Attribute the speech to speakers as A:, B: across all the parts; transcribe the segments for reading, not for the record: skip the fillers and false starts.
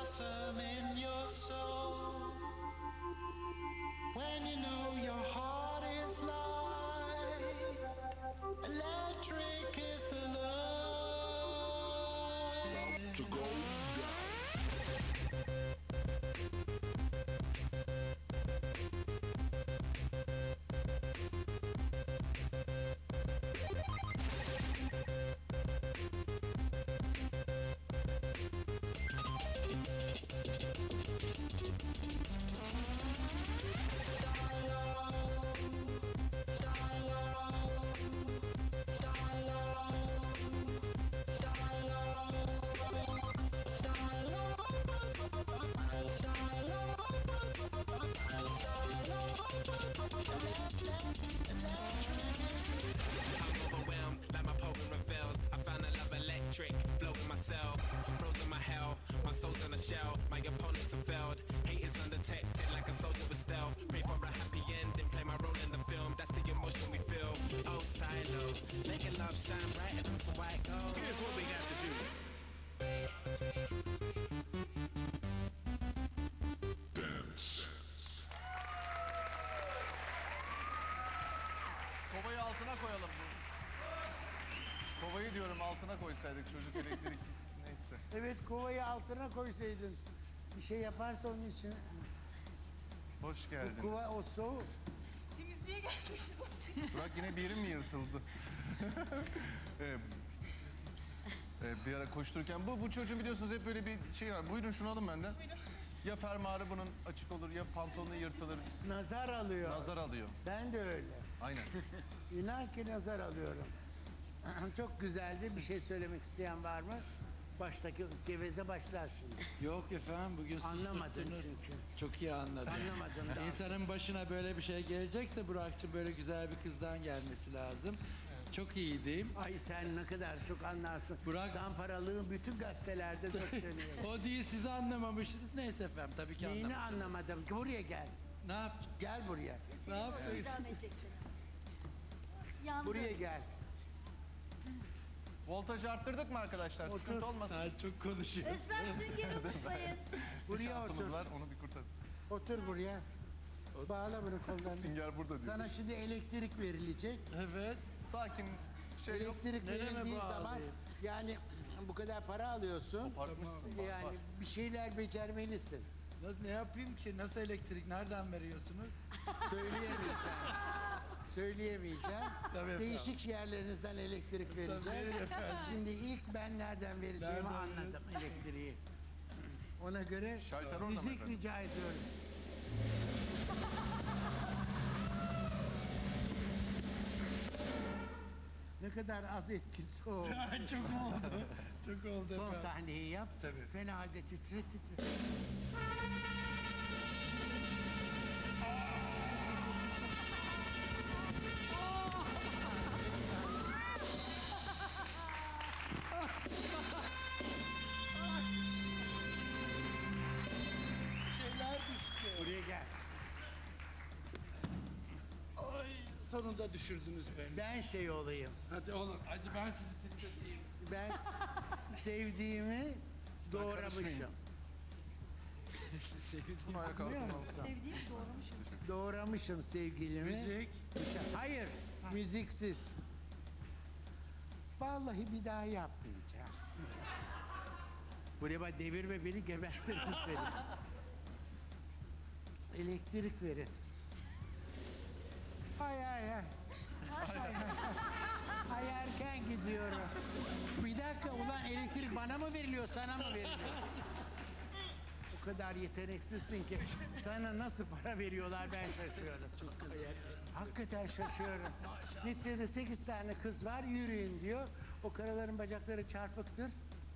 A: blossom in your soul. When you know your heart is light, electric is the love.
B: To go down.
C: Floating myself, frozen my hell. My soul's in a shell, my opponents have failed. Hate is undetected like a soldier with stealth. Pray for a happy ending, play my role in the film. That's the emotion we feel. Oh, stylo, making love shine brighter than some white gold. Here's what we got to do.
B: Dance.
D: Kovayı altına koyalım. Kovayı diyorum altına koysaydık çocuk elektrik neyse.
E: Evet, kovayı altına koysaydın. Bir şey yaparsa onun için.
D: Hoş geldin.
E: Bu kova o soğuk.
F: Temizliğe geldik.
D: Burak yine bir yerin mi yırtıldı? Bir ara koştururken bu çocuğun biliyorsunuz hep böyle bir şey var. Buyurun şunu alın benden.
F: Buyurun.
D: Ya fermuarı bunun açık olur ya pantolonu yırtılır.
E: Nazar alıyor.
D: Nazar alıyor.
E: Ben de öyle.
D: Aynen.
E: İnan ki nazar alıyorum. Çok güzeldi. Bir şey söylemek isteyen var mı? Baştaki geveze başlar şimdi.
G: Yok efendim bugün
E: Anlamadın
G: susturttunuz.
E: çünkü.
G: Çok iyi anladım.
E: Anlamadın daha.
G: İnsanın başına böyle bir şey gelecekse Burak'cığım böyle güzel bir kızdan gelmesi lazım. Çok iyiydim.
E: Ay sen ne kadar çok anlarsın.
G: Burak-
E: Zamparalığın bütün gazetelerde dökülüyor.
G: O değil sizi anlamamışsınız. Neyse efendim tabii ki
E: Neyini
G: anlamadım.
E: anlamadım. Buraya gel.
G: Ne yapacağız?
E: Gel buraya.
G: Ne yapacağız?
F: İdam edeceksin. Yandı.
E: Buraya gel.
D: Voltajı arttırdık mı arkadaşlar?
E: Otur.
D: Sıkıntı olmasın.
G: Sen çok konuşuyorsun.
F: Esmer süngeri unutmayın.
D: Bir
E: Buraya
D: şansımız
E: otur.
D: var onu bir kurtar.
E: Otur buraya. Bağla bunu kollarını.
D: Sünger burada diyor.
E: Sana şimdi elektrik verilecek.
G: Evet.
D: Sakin şey yok.
E: Elektrik
G: Nereye
E: verildiği
G: bağlayayım?
E: zaman yani bu kadar para alıyorsun.
D: Kopartmışsın.
E: Yani bir şeyler becermelisin.
G: Ne yapayım ki? Nasıl elektrik? Nereden veriyorsunuz?
E: Söyleyemeyeceğim. Söyleyemeyeceğim.
G: Tabii efendim.
E: Değişik yerlerinizden elektrik vereceğiz.
G: verin efendim.
E: Şimdi ilk ben nereden vereceğimi
G: Nereden
E: anladım elektriği. Ona göre
D: Şalter orada mı
E: müzik
D: efendim?
E: rica ediyoruz. Ne kadar az etkisi o.
G: Çok oldu. Çok oldu
E: Son
G: efendim.
E: sahneyi yap.
G: Tabii.
E: Fena halde titre titre.
G: Şeyler düştü.
E: Buraya gel.
G: Ay sonunda düşürdünüz beni.
E: Ben şey olayım.
G: Hadi oğlum. Hadi ben sizi titreteyim.
E: Ben sevdiğimi doğramışım.
D: karışmayayım.
G: Sevdim.
D: Bunu ayağa
E: Anlıyor
D: kalkın.
E: musun?
F: Sevdiğim doğramışım.
E: Doğramışım sevgilimi.
G: Müzik.
E: Hayır, müziksiz. Vallahi bir daha yapmayacağım. Buraya bak, devirme beni, gebertirim seni. Elektrik verin. Ay ay ay. Ay, ay. Ay erken gidiyorum. Bir dakika ulan, elektrik bana mı veriliyor, sana mı veriliyor? O kadar yeteneksizsin ki sana nasıl para veriyorlar ben şaşıyorum. Çok güzel. Hakikaten şaşıyorum. Neticede 8 tane kız var, yürüyün diyor. O karıların bacakları çarpıktır.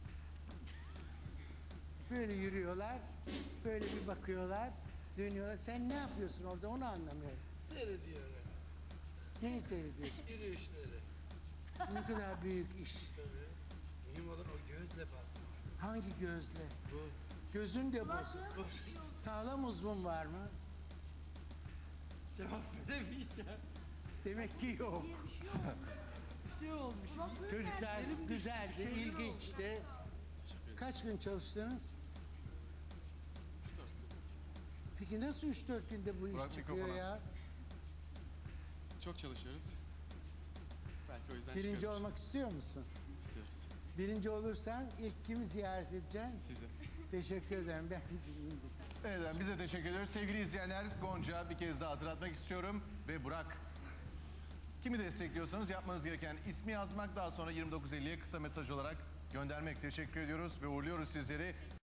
E: Böyle yürüyorlar, böyle bir bakıyorlar, dönüyorlar. Sen ne yapıyorsun orada, onu anlamıyorum.
G: Seyrediyorum.
E: Neyi seyrediyorsun?
G: Yürüyüşleri.
E: Ne kadar büyük iş.
G: Tabii. Mühim olan o gözle bak.
E: Hangi gözle?
G: Bu.
E: Gözün de bozuk.
F: Kulaklığı
E: Sağlam uzvun var mı?
G: Cevap veremeyeceğim.
E: Demek ki yok.
F: diye bir şey yok.
G: Bir şey olmuş.
F: Kulaklığı
E: Çocuklar
F: nerede?
E: güzeldi,
G: Şey
E: ilginçti. Kaç gün çalıştınız? Peki nasıl 3-4 günde bu iş
D: Burak
E: çıkıyor
D: mikrofona.
E: ya?
H: Çok çalışıyoruz. Belki o yüzden
E: Birinci
H: çıkıyordur.
E: olmak istiyor musun?
H: istiyoruz.
E: Birinci olursan ilk kimi ziyaret edeceksin?
H: Sizi.
E: Teşekkür ederim. Ben
D: Evet, bize teşekkür ediyoruz. Sevgili izleyenler, Gonca bir kez daha hatırlatmak istiyorum. Ve Burak. Kimi destekliyorsanız yapmanız gereken ismi yazmak, daha sonra 2950'ye kısa mesaj olarak göndermek. Teşekkür ediyoruz ve uğurluyoruz sizleri.